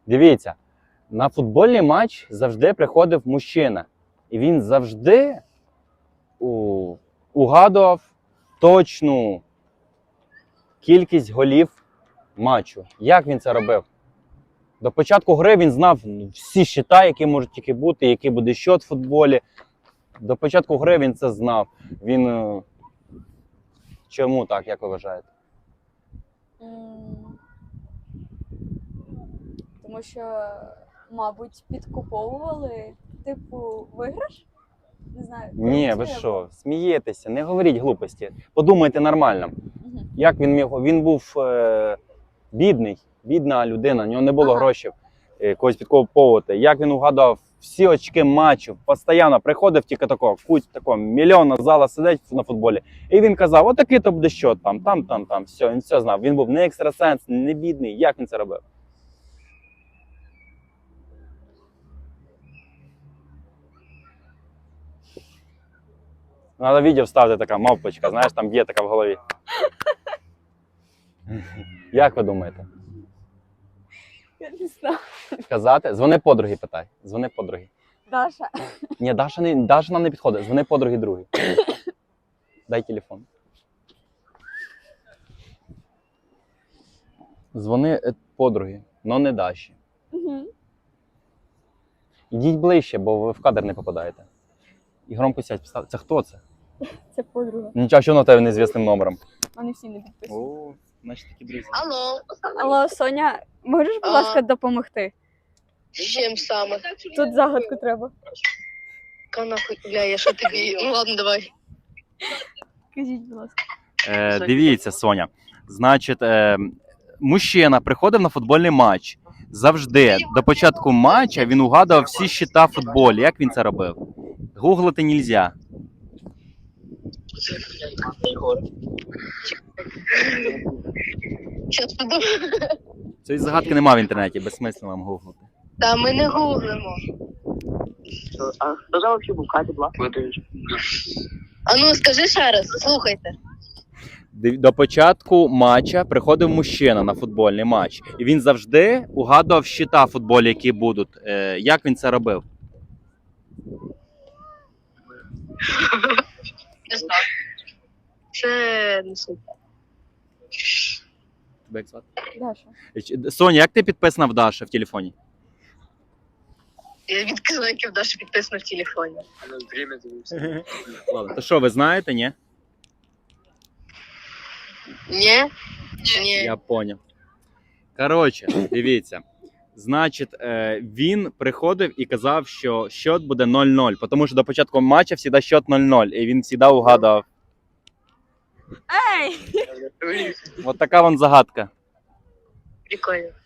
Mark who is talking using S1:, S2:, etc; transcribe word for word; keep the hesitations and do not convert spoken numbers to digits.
S1: Дивіться, на футбольний матч завжди приходив мужчина. І він завжди у... угадував точну кількість голів матчу. Як він це робив? До початку гри він знав всі щита, які можуть тільки бути, який буде щот в футболі. До початку гри він це знав. Він... Чому так, як ви вважаєте?
S2: Тому що, мабуть, підкуповували, типу, виграш? Не знаю.
S1: Ні, ви що, смієтеся, не говоріть глупості. Подумайте нормально.
S2: Угу.
S1: Як він міг? Він був е... бідний, бідна людина, у нього не було
S2: Ага.
S1: грошей е... когось підкуповувати. Як він угадав всі очки матчів, постійно приходив тільки такого, куть такого, мільйонна зала сидить на футболі. І він казав, отакий то буде що там, там, там, там, все, він все знав. Він був не екстрасенс, не бідний. Як він це робив? Надо відео вставити, така мавпочка, знаєш, там є така в голові. Як ви думаєте?
S2: Я не знаю.
S1: Казати? Дзвони подруги, питай. Дзвони подруги.
S2: Даша.
S1: Ні, Даша, не, Даша нам не підходить. Дзвони подруги другій. Дай телефон. Дзвони е, подруги, но не Даші.
S2: Угу.
S1: Ідіть ближче, бо ви в кадр не попадаєте. І громко сядь, поставте. Це хто це?
S2: Це подруга.
S1: Нічого, що на тебе незвісним номером.
S2: Вони всі не підписані.
S1: О, значить такі друзі.
S3: Алло,
S2: Алло, Соня, можеш, будь
S3: А.
S2: ласка, допомогти?
S3: з чим саме?
S2: Тут загадку треба.
S3: Ка нахуй, бля, я що тобі? Ну ладно, давай.
S2: Кажіть, будь ласка.
S1: Е, дивіться, Соня. Значить, е, мужчина приходив на футбольний матч. Завжди до початку матча він угадував всі щита в футболі. Як він це робив? Гуглити нельзя.
S3: Щас подумаю.
S1: Цієї загадки немає в інтернеті, безсмислено вам гуглити.
S3: Та ми не гуглимо.
S4: А хто за вообще був Катя була?
S3: А ну скажи ще раз, слухайте.
S1: Див- До початку матча приходив мужчина на футбольний матч. І він завжди угадував щита в футболі, які будуть. Е, як він це робив?
S3: Не знаю. Це не суть.
S1: Тебе як звати?
S2: Даша.
S1: Ч- Соня, як ти підписана в Даші в телефоні?
S3: Я відкрила, як в Даші підписано в телефоні.
S1: Ладно, то що, ви знаєте, ні?
S3: Ні? Ні.
S1: Я поняв. Коротше, дивіться. Значить, е, він приходив і казав, що счет буде нуль нуль, тому що до початку матчу завжди счет нуль нуль, і він завжди угадував.
S2: Ей!
S1: От така вон загадка.
S3: Прикольно.